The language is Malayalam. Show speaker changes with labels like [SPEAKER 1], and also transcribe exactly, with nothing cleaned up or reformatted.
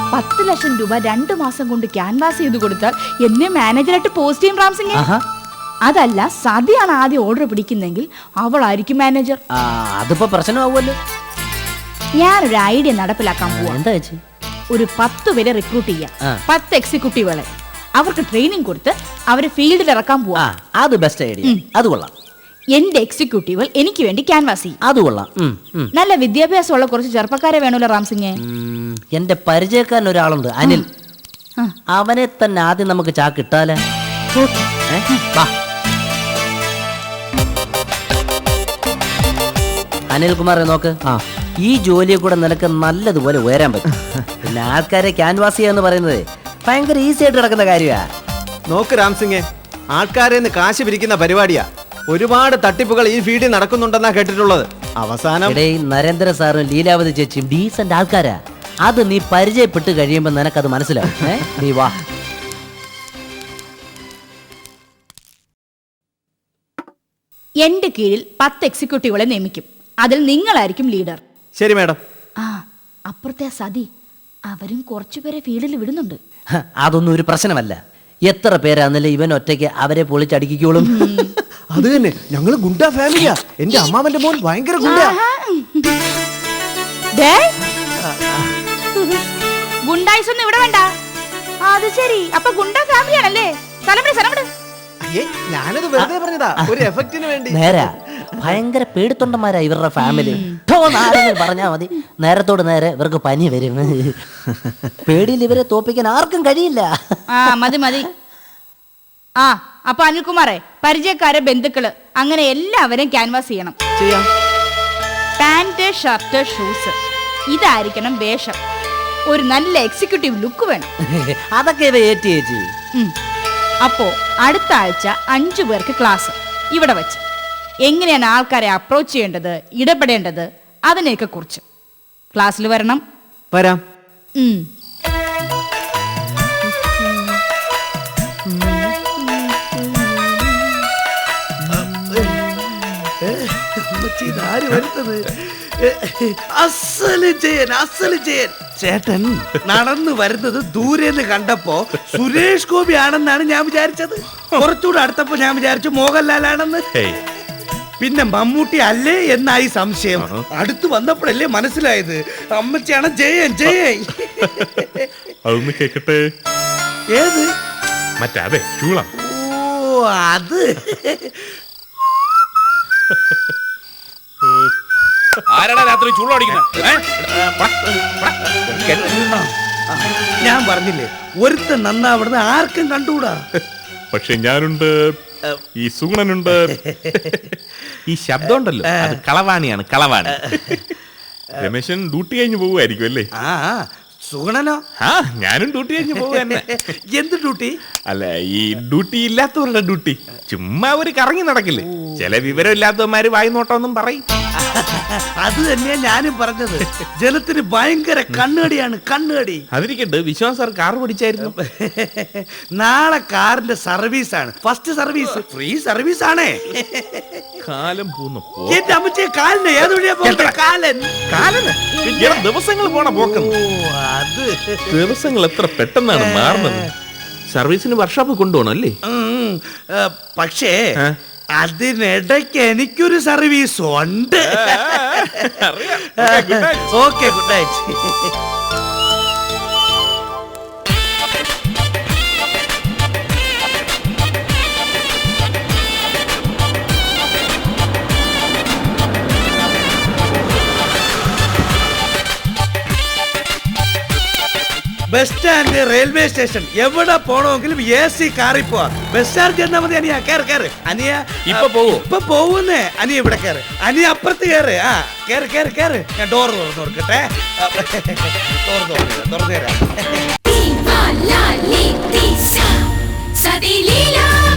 [SPEAKER 1] പത്ത് ലക്ഷം രൂപ രണ്ടു മാസം കൊണ്ട് ക്യാൻവാസ് ചെയ്ത് കൊടുത്താൽ എന്നെ മാനേജറായിട്ട് പോസ്റ്റ് ചെയ്യും റാംസിംഗ്. അതല്ല, സതിയാണ് ആദ്യം ഓർഡർ പിടിക്കുന്നെങ്കിൽ അവളായിരിക്കും മാനേജർ.
[SPEAKER 2] അതിപ്പോ പ്രശ്നമാവുമല്ലോ.
[SPEAKER 1] ഞാനൊരു ഐഡിയ നടപ്പിലാക്കാൻ പോവാ.
[SPEAKER 2] എന്താ ചേച്ചി?
[SPEAKER 1] ഒരു പത്ത് പേരെ റിക്രൂട്ട് ചെയ്യാം, പത്ത് എക്സിക്യൂട്ടീവുകളെ. അവർക്ക് ട്രെയിനിങ് കൊടുത്ത് അവരെ ഫീൽഡിൽ ഇറക്കാൻ പോവാ.
[SPEAKER 2] അത് ബെസ്റ്റ് ഐഡിയ. അത് കൊള്ളാം.
[SPEAKER 1] എന്റെ എക്സിക്യൂട്ടീവുകൾ എനിക്ക് വേണ്ടി ക്യാൻവാസ് ചെയ്യും.
[SPEAKER 2] അത് കൊള്ളാം.
[SPEAKER 1] നല്ല വിദ്യാഭ്യാസമുള്ള കുറച്ച് ചെറുപ്പക്കാരെ വേണമല്ലോ റാംസിംഗ്.
[SPEAKER 2] എന്റെ പരിചയക്കാരൻ ഒരാളുണ്ട്, അനിൽ. അവനെ തന്നെ ആദ്യം നമുക്ക് ചാക്കിട്ടാലേ. അനിൽകുമാറെ നോക്ക്, ഈ ജോലിയെ കൂടെ നിനക്ക് നല്ലതുപോലെ ഉയരാൻ പറ്റും. പിന്നെ ആൾക്കാരെ ക്യാൻവാസ് ചെയ്യാന്ന് പറയുന്നത് ഭയങ്കര ഈസി ആയിട്ട് നടക്കുന്ന കാര്യമാ.
[SPEAKER 3] നോക്ക് റാംസിംഗെ, ആൾക്കാരെ കാശ് പിരിക്കുന്ന പരിപാടിയാ. ഒരുപാട് തട്ടിപ്പുകൾ ഈ ഫീൽഡിൽ നടക്കുന്നുണ്ടെന്നാ കേട്ടിട്ടുള്ളത്. അവസാനം
[SPEAKER 2] നരേന്ദ്ര സാറും ലീലാവതി ചേച്ചിയും ഡീസന്റ് ആൾക്കാരാ. അത് നീ പരിചയപ്പെട്ട് കഴിയുമ്പോ നിനക്കത് മനസ്സിലാവും. നീ വാ.
[SPEAKER 1] എന്റെ കീഴിൽ പത്ത് എക്സിക്യൂട്ടീവുകളെ നിയമിക്കും. അതിൽ നിങ്ങളായിരിക്കും ലീഡർ.
[SPEAKER 3] ശരി മാഡം.
[SPEAKER 1] ആ അപ്പുറത്തെ സതി, അവരും കുറച്ചുപേരെ ഫീൽഡിൽ വിടുന്നുണ്ട്.
[SPEAKER 2] അതൊന്നും ഒരു പ്രശ്നമല്ല. എത്ര പേരാന്നല്ലേ ഇവൻ ഒറ്റയ്ക്ക് അവരെ പൊളിച്ചടിക്കോളും.
[SPEAKER 3] അത് തന്നെ, ഞങ്ങള് ഗുണ്ട ഫാമിലിയാ. എന്റെ അമ്മാവന്റെ മോൻ ഭയങ്കര ഗുണ്ട.
[SPEAKER 1] ഗുണ്ടായിസൊന്നും ഇവിടെ വേണ്ട. അത് ശരി, അപ്പൊ ഗുണ്ട ഫാമിലിയാണല്ലേ? സ്ഥലം സ്ഥലം
[SPEAKER 3] ഞാനത് വെറുതെ പറഞ്ഞതാ, ഒരു എഫക്റ്റിന് വേണ്ടി.
[SPEAKER 2] നേരാ, ഭയങ്കര പേടിത്തൊണ്ടന്മാരാ ഇവരുടെ ഫാമിലി. പറഞ്ഞാ മതി, നേരത്തോട് നേരെ ഇവർക്ക് പനി വരും. പേടിയിൽ ഇവരെ തോപ്പിക്കാൻ ആർക്കും കഴിയില്ല.
[SPEAKER 1] ആ മതി മതി. ആ അപ്പൊ അനിൽകുമാറെ, പരിചയക്കാരെ, ബന്ധുക്കള്, അങ്ങനെ എല്ലാവരെയും ക്യാൻവാസ് ചെയ്യണം. പാന്റ്, ഷർട്ട്, ഷൂസ്, ഇതായിരിക്കണം വേഷം. ഒരു നല്ല എക്സിക്യൂട്ടീവ് ലുക്ക് വേണം.
[SPEAKER 2] അതൊക്കെ ഏറ്റി ചേച്ചി.
[SPEAKER 1] അപ്പോ അടുത്ത ആഴ്ച അഞ്ചു പേർക്ക് ക്ലാസ് ഇവിടെ വെച്ച്. എങ്ങനെയാണ് ആൾക്കാരെ അപ്രോച്ച് ചെയ്യേണ്ടത്, ഇടപെടേണ്ടത്, അതിനെയൊക്കെ കുറിച്ച് ക്ലാസ്സിൽ വരണം.
[SPEAKER 3] വരാം.
[SPEAKER 4] ചേട്ടൻ നടന്നു വരുന്നത് ദൂരെന്ന് കണ്ടപ്പോ സുരേഷ് ഗോപി ആണെന്നാണ് ഞാൻ വിചാരിച്ചത്. കുറച്ചുകൂടെ അടുത്തപ്പോ ഞാൻ വിചാരിച്ചു മോഹൻലാലാണെന്ന്. പിന്നെ മമ്മൂട്ടി അല്ലേ എന്നായി സംശയം. അടുത്ത് വന്നപ്പോഴല്ലേ മനസ്സിലായത് അമ്മച്ചിയാണ് ജയൻ. ജയൻ
[SPEAKER 5] അതൊന്ന് കേക്കട്ടെ.
[SPEAKER 4] ഏത്?
[SPEAKER 5] മറ്റേ ചൂളം.
[SPEAKER 4] ഓ അത്
[SPEAKER 5] ആരാടാ രാത്രി ചൂളടിക്കുന്നത്?
[SPEAKER 4] ഞാൻ പറഞ്ഞില്ലേ, ഒരുത്തൻ നന്നാവിടുന്ന് ആർക്കും കണ്ടുകൂടാ.
[SPEAKER 5] പക്ഷെ ഞാനുണ്ട്, ഈ സുഗുണനുണ്ട്. ഈ ശബ്ദം ഉണ്ടല്ലോ, അത് കളവാണിയാണ്, കളവാണി. രമേശൻ ഡ്യൂട്ടി കഴിഞ്ഞ് പോവുമായിരിക്കും അല്ലേ?
[SPEAKER 4] ആ സുഗുണനോ?
[SPEAKER 5] ആ ഞാനും ഡ്യൂട്ടി കഴിഞ്ഞ് പോവുക.
[SPEAKER 4] എന്ത് ഡ്യൂട്ടി?
[SPEAKER 5] അല്ല, ഈ ഡ്യൂട്ടി ഇല്ലാത്തവരുടെ ഡ്യൂട്ടി. ചുമ്മാ ഒരു കറങ്ങി നടക്കില്ലേ, ചില വിവരം ഇല്ലാത്തവന്മാര് വായി നോട്ടമൊന്നും പറയും.
[SPEAKER 4] അത് തന്നെയാ ഞാനും പറഞ്ഞത്. ജനത്തിന് ഭയങ്കര കണ്ണുകടിയാണ്, കണ്ണുകടി.
[SPEAKER 5] അതിരിക്കട്ടെ, വിശ്വാസ് സാർ കാർ പഠിച്ചായിരുന്നു.
[SPEAKER 4] നാളെ കാറിന്റെ സർവീസ് ആണ്, ഫസ്റ്റ് സർവീസ്, ഫ്രീ സർവീസ് ആണേ.
[SPEAKER 5] കാലം പോന്നു.
[SPEAKER 4] എന്റെ അമ്മച്ചേ, കാലിന് ഏത് വഴിയാ പോകുന്നത്? കാലൻ കാലന്
[SPEAKER 5] ദിവസങ്ങൾ പോണ പോക്കുന്നു.
[SPEAKER 4] അത്
[SPEAKER 5] ദിവസങ്ങൾ എത്ര പെട്ടെന്നാണ് മാറുന്നത്. സർവീസിന് വർക്ക്ഷോപ്പ് കൊണ്ടുപോകണം അല്ലേ?
[SPEAKER 4] പക്ഷേ അതിനിടയ്ക്ക് എനിക്കൊരു സർവീസ് ഉണ്ട്. Okay, good night. Bus stand, railway station, എവിടെ പോണമെങ്കിലും എ സി കാറിൽ പോവാ. ബസ് സ്റ്റാൻഡ് ചെന്നാ മതി. അനിയ കേറ് കേറ്. അനിയ
[SPEAKER 5] ഇപ്പൊ പോവോ?
[SPEAKER 4] ഇപ്പൊ പോവുന്നേ. അനിയ ഇവിടെ കേറ്. അനിയ അപ്പുറത്ത് കേറ്. ആ കേറ് കേറ് കേറ്. ഞാൻ ഡോർ തുറന്നു കൊടുക്കട്ടെ. ഡോർ തുറന്നു തുറന്നു തരാം.